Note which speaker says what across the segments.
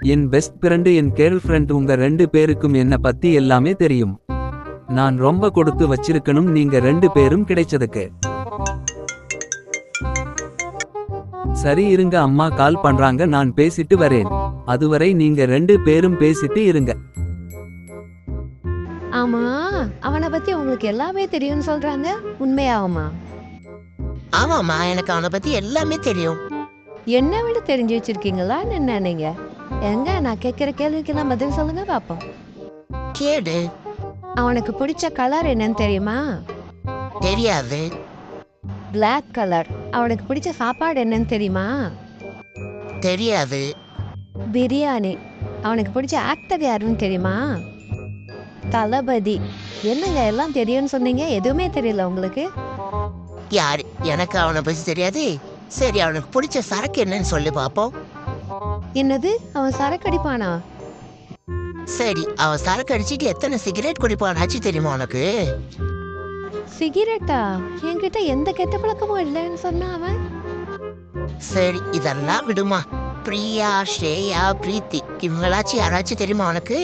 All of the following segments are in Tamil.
Speaker 1: என் பெஸ்ட் ஃப்ரெண்டு என் கேர்ள் ஃப்ரெண்ட் உங்க 2 பேருக்கும் என்ன பத்தி எல்லாமே தெரியும். நான் ரொம்ப கொடுத்து வச்சிருக்கணும் நீங்க 2 பேரும் கிடைச்சதுக்கு. சரி இருங்க, அம்மா கால் பண்றாங்க, நான் பேசிட்டு வரேன். அதுவரை நீங்க 2 பேரும் பேசிட்டு இருங்க.
Speaker 2: ஆமா, அவனை பத்தி உங்களுக்கு எல்லாமே தெரியும்னு சொல்றாங்க, உண்மையாவுமா?
Speaker 3: ஆமாம்மா, எனக்கு அவனை பத்தி எல்லாமே தெரியும்.
Speaker 2: என்ன விட தெரிஞ்சு வச்சிருக்கீங்களான்னு என்ன நீங்க? எங்க நான் கேட்கிற கேள்விக்கெல்லாம் பதில் சொல்லுங்க பாப்போம்.
Speaker 3: கேடு.
Speaker 2: அவனுக்கு பிடிச்ச கலர் என்னன்னு தெரியுமா?
Speaker 3: தெரியாது.
Speaker 2: Black colour. அவனுக்கு பிடிச்ச சாப்பாடு என்னன்னு தெரியுமா?
Speaker 3: தெரியாது.
Speaker 2: பிரியாணி. அவனுக்கு பிடிச்ச ஆக்டர் யாருன்னு தெரியுமா? தளபதி. என்னங்க எல்லாம் தெரியும்னு சொன்னீங்க, எதுவுமே தெரியல உங்களுக்கு?
Speaker 3: யாரு? எனக்கு அவனை பத்தி தெரியாது. சரி, அவனுக்கு பிடிச்ச சரக்கு என்னன்னு சொல்லி பாப்போம்.
Speaker 2: என்னது, அவன் சரக்கு அடிப்பானா?
Speaker 3: சரி, அவன் சரக்கு அடிச்சுட்டு எத்தனை சிகரெட் குடிப்பானாச்சு தெரியுமா உனக்கு?
Speaker 2: சிகரெட்டா? என்கிட்ட எந்த கெட்ட பழக்கமும் இல்லைன்னு சொன்னா அவன்.
Speaker 3: சரி, இதெல்லாம் விடுமா. பிரியா, ஸ்ரேயா, பிரீத்தி இவங்களாச்சும் யாராச்சும் தெரியுமா உனக்கு?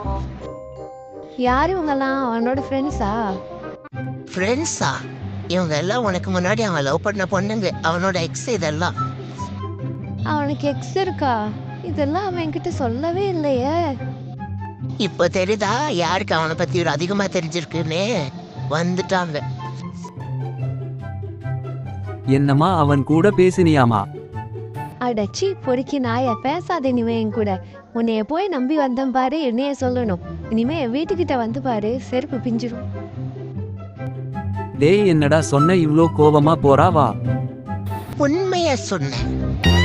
Speaker 2: யாரு இவங்கெல்லாம்? அவனோட ஃப்ரெண்ட்ஸா?
Speaker 3: ஃப்ரெண்ட்ஸா? இவங்க எல்லாம் உனக்கு முன்னாடி அவன் லவ் பண்ண பொண்ணுங்க, அவனோட எக்ஸ் இதெல்லாம்.
Speaker 2: அவனுக்கு எக்ஸ் இருக்கா? இதெல்லாம் அவன் என்கிட்ட சொல்லவே இல்லையே.
Speaker 3: இப்ப தெரியுதா யாருக்கு அவனை பத்தி ஒரு அதிகமா தெரிஞ்சிருக்குன்னு? வந்துட்டாங்க.
Speaker 1: என்னம்மா அவன் கூட பேசினியாமா?
Speaker 2: அடச்சி பொறுக்கி நாய, பேசாத இனிமே என் கூட. உன்னைய போய் நம்பி வந்தேன் பாரு, என்னைய சொல்லணும். இனிமே என் வீட்டுக்கிட்ட வந்து பாரு, செருப்பு பிஞ்சிரும்.
Speaker 1: டேய், என்னடா சொன்ன இவ்ளோ கோவமா போறா? வா,
Speaker 3: உண்மைய சொன்னேன்.